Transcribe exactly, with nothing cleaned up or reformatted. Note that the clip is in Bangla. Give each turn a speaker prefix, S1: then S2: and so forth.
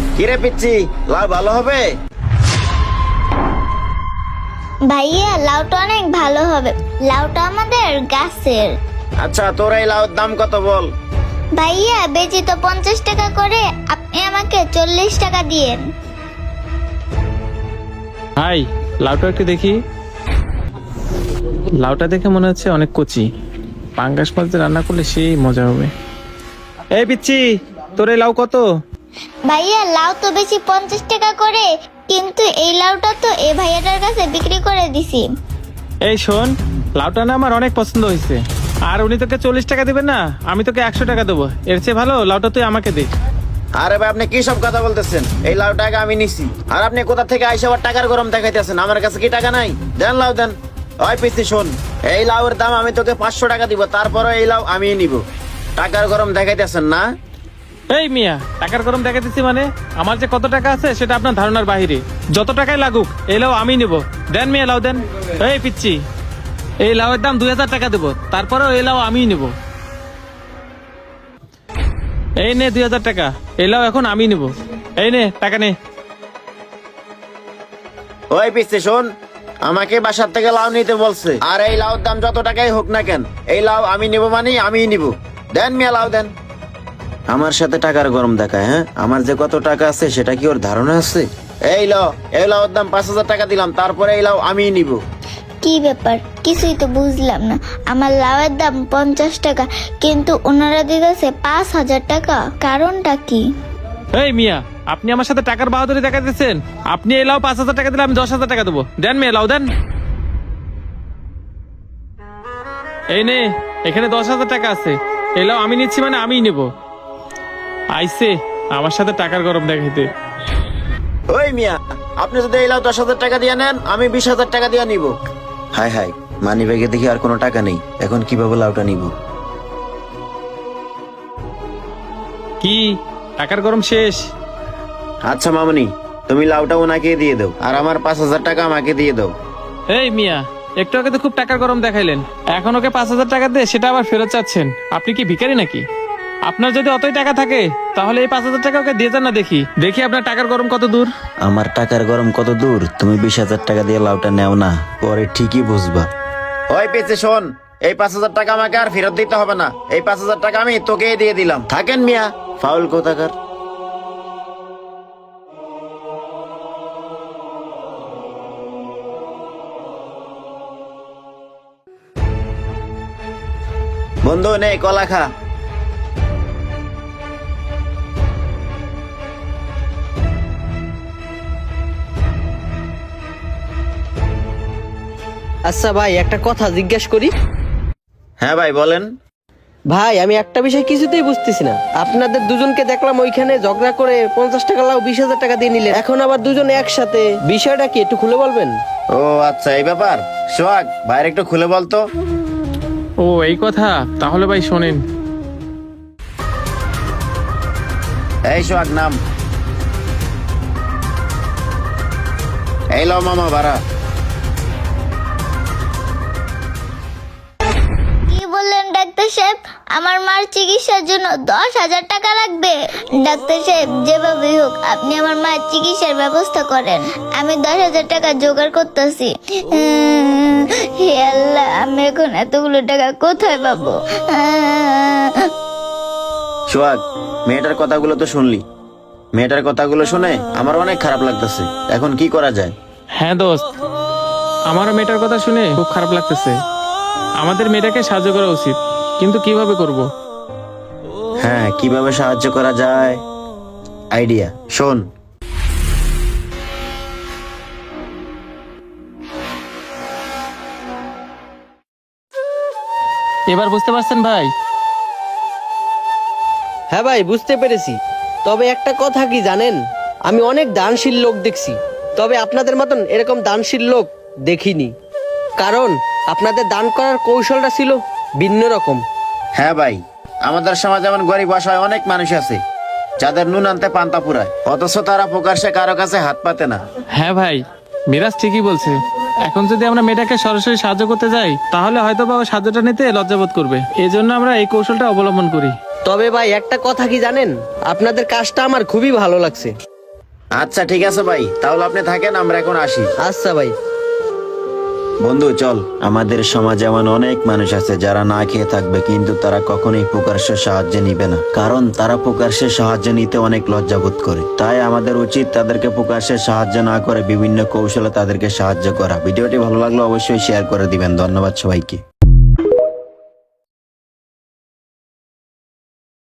S1: কিরে পিচ্ছি, লাউ ভালো হবে?
S2: ভাইয়া লাউটা অনেক ভালো হবে, লাউটা আমাদের গাছের।
S1: আচ্ছা, তোর এই লাউর দাম কত বল?
S2: ভাইয়া বেচি তো পঞ্চাশ টাকা করে, আপনি আমাকে চল্লিশ টাকা দিয়েন।
S3: ভাই লাউটা একটু দেখি। লাউটা দেখে মনে হচ্ছে অনেক কচি, পাঙ্গাস মাছ দিয়ে রান্না করলে সেই মজা হবে। এই পিচ্ছি, তোর এই লাউ কত?
S2: ভাইয়া লাউ তো বেশি পঞ্চাশ টাকা করে, কিন্তু এই লাউটা তো এই ভাইয়াটার কাছে বিক্রি করে দিছি।
S3: এই শোন, লাউটা না আমার অনেক পছন্দ হয়েছে, আর উনি তোকে চল্লিশ টাকা দিবেন না, আমি তোকে একশো টাকা দেবো। এর চেয়ে ভালো লাউটা তুই আমাকে দে।
S1: আরে ভাই, আপনি কি সব কথা বলতেছেন? এই লাউ টাকা আমি নিছি, আর আপনি কোথা থেকে আইসা আবার টাকার গরম দেখাইতেছেন? আমার কাছে কি টাকা নাই? দেন লাউ দেন। ওই পিচ্ছি শোন, এই লাউয়ের দাম আমি তোকে পাঁচশো টাকা দিব, তারপরে এই লাউ আমি নিব। টাকার গরম দেখাইতেছেন না?
S3: এই মিয়া, টাকার গরম দেখা দিচ্ছি মানে? আমার যে কত টাকা আছে সেটা আপনার ধারণার বাহিরে। যত টাকাই লাগুক এই লাউ আমি নেব। দেন মিয়া লাউ দেন। এই পিচ্ছি, এই লাউয়ের দাম দুই হাজার টাকা দেবো, তারপরেও এই লাউ আমিই নেব। এই নে দুই হাজার টাকা, এই লাউ এখন আমি নেব। এই নে টাকা নে।
S1: ওই পিচ্ছি শোন, আমাকে বাসার থেকে লাউ নিতে বলছে, আর এই লাউর দাম যত টাকাই হোক না কেন, এই লাউ আমি নিব মানে আমিই নিব। দেন মিয়া লাউ দেন। আমার সাথে টাকার গরম দেখায়? হ্যাঁ, আমার যে কত টাকা আছে সেটা কি ওর ধারণা আছে? এই লাউ, এই লাউর দাম পাঁচ হাজার টাকা দিলাম, তারপরে এই লাউ আমিই নিব।
S2: কি ব্যাপার, কিছুই তো বুঝলাম না। আমার লাউয়ের দাম পঞ্চাশ টাকা, কিন্তু ওনারা দিতেছে পাঁচ হাজার টাকা, কারণটা কি?
S3: এই মিয়া, আপনি আমার সাথে টাকার বাহাদুরি দেখাতেছেন। আপনি এই লাউ পাঁচ হাজার টাকা দিলে আমি দশ হাজার টাকা দেবো। দেন মিয়া লাউ দেন। এই নে, এখানে দশ হাজার টাকা আছে, এই লাউ আমি নিচ্ছি মানে আমিই নেব। আইসে আমার সাথে টাকার গরম দেখাইতে।
S1: ওই মিয়া, আপনি যদি এই লাউ দশ হাজার টাকা দিয়ে নেন, আমি বিশ হাজার টাকা দিয়ে নিব। হাই হাই, মানি ব্যাগে দেখি আর কোনো টাকা নেই, এখন কিভাবে লাউটা নিব?
S3: কি টাকার গরম শেষ?
S1: আচ্ছা মামনি, তুমি লাউটা ওনাকে দিয়ে দাও, আর আমার পাঁচ হাজার টাকা আমাকে দিয়ে দাও।
S3: এই মিয়া, একটু আগে তো খুব টাকার গরম দেখাইলেন, এখন ওকে পাঁচ হাজার টাকা দিয়ে সেটা আবার ফেরত চাচ্ছেন? আপনি কি ভিখারি নাকি? আপনার যদি অতই টাকা থাকে তাহলে এই পাঁচ হাজার টাকা ওকে দিয়ে যান না, দেখি দেখি আপনার টাকার গরম কত দূর।
S1: আমার টাকার গরম কত দূর? তুমি বিশ হাজার টাকা দিয়ে লাউটা নেও না, পরে ঠিকই বুঝবা। ওই পেয়েছে শোন, এই পাঁচ হাজার টাকা আমাকে আর ফেরত দিতে হবে না, এই পাঁচ হাজার টাকা আমি তোকে দিয়ে দিলাম। থাকেন মিয়া, ফাউল কোথাকার। বন্ধু নে কলা খা।
S4: আচ্ছা ভাই, একটা কথা জিজ্ঞেস করি।
S1: হ্যাঁ ভাই বলেন।
S4: ভাই আমি একটা বিষয় কিছুতেই বুঝতেছি না, আপনাদের দুজনকে দেখলাম ওইখানে ঝগড়া করে পঞ্চাশ টাকা লাউ বিশ হাজার টাকা দিয়ে নিলেন, এখন আবার দুজন একসাথে, বিষয়টা কি একটু খুলে বলবেন?
S1: ও আচ্ছা, এই ব্যাপার। সোহাগ ভাইয়ের একটু খুলে বলতো।
S3: ও এই কথা, তাহলে ভাই শোনেন।
S1: এই সোহাগ নাম। এই লো মামা ভাড়া।
S2: কি বললেন ডাক্তার সাহেব? আমার মার চিকিৎসার জন্য দশ হাজার টাকা লাগবে? ডাক্তার সাহেব, যেভাবেই হোক আপনি আমার মায়ের চিকিৎসার ব্যবস্থা করেন, আমি দশ হাজার টাকা জোগাড় করতেছি। হে আল্লাহ, আমি এখন এতগুলো টাকা কোথায় পাবো?
S1: সোহাগ, মেয়েটার কথাগুলো তো শুনলি, মেয়েটার কথাগুলো শুনে আমার অনেক খারাপ লাগতেছে, এখন কি করা যায়?
S3: হ্যাঁ দোস্ত, আমারও মেয়েটার কথা শুনে খুব খারাপ লাগতেছে। আমাদের মেয়েটাকে সাহায্য করা উচিত, কিন্তু কিভাবে করব?
S1: হ্যাঁ, কিভাবে সাহায্য করা যায়, আইডিয়া শোন।
S3: এবার বুঝতে পারছেন ভাই?
S4: হ্যাঁ ভাই, বুঝতে পেরেছি। তবে একটা কথা কি জানেন, আমি অনেক দানশীল লোক দেখছি, তবে আপনাদের মতন এরকম দানশীল লোক দেখিনি, কারণ আপনাদের দান করার কৌশলটা ছিল ভিন্ন রকম।
S1: হ্যাঁ ভাই, আমাদের সমাজে এমন গরিব অসহায় অনেক মানুষ আছে যাদের নুন আনতে পান্তা পুরায়, অথচ তারা প্রকাশ্যে কারো কাছে হাত পাতে না।
S3: হ্যাঁ ভাই, মিরাজ ঠিকই বলছে। এখন যদি আমরা মেয়েটাকে সরাসরি সাহায্য করতে যাই তাহলে হয়তো বা ও সাহায্যটা নিতে লজ্জাবোধ করবে, এই জন্য আমরা এই কৌশলটা অবলম্বন করি।
S4: তবে ভাই একটা কথা কি জানেন, আপনাদের কাজটা আমার খুবই ভালো লাগছে।
S1: আচ্ছা ঠিক আছে ভাই, তাহলে আপনি থাকেন, আমরা এখন আসি।
S4: আচ্ছা ভাই।
S1: বন্ধু চল, আমাদের সমাজে এমন অনেক মানুষ আছে যারা না খেয়ে থাকবে, কিন্তু তারা কখনোই প্রকাশ্যে সাহায্য নিবে না, কারণ তারা প্রকাশ্যে সাহায্য নিতে অনেক লজ্জাবোধ করে। তাই আমাদের উচিত তাদেরকে প্রকাশ্যে সাহায্য না করে বিভিন্ন কৌশলে তাদেরকে সাহায্য করা। ভিডিওটি ভালো লাগলে অবশ্যই শেয়ার করে দিবেন। ধন্যবাদ সবাইকে।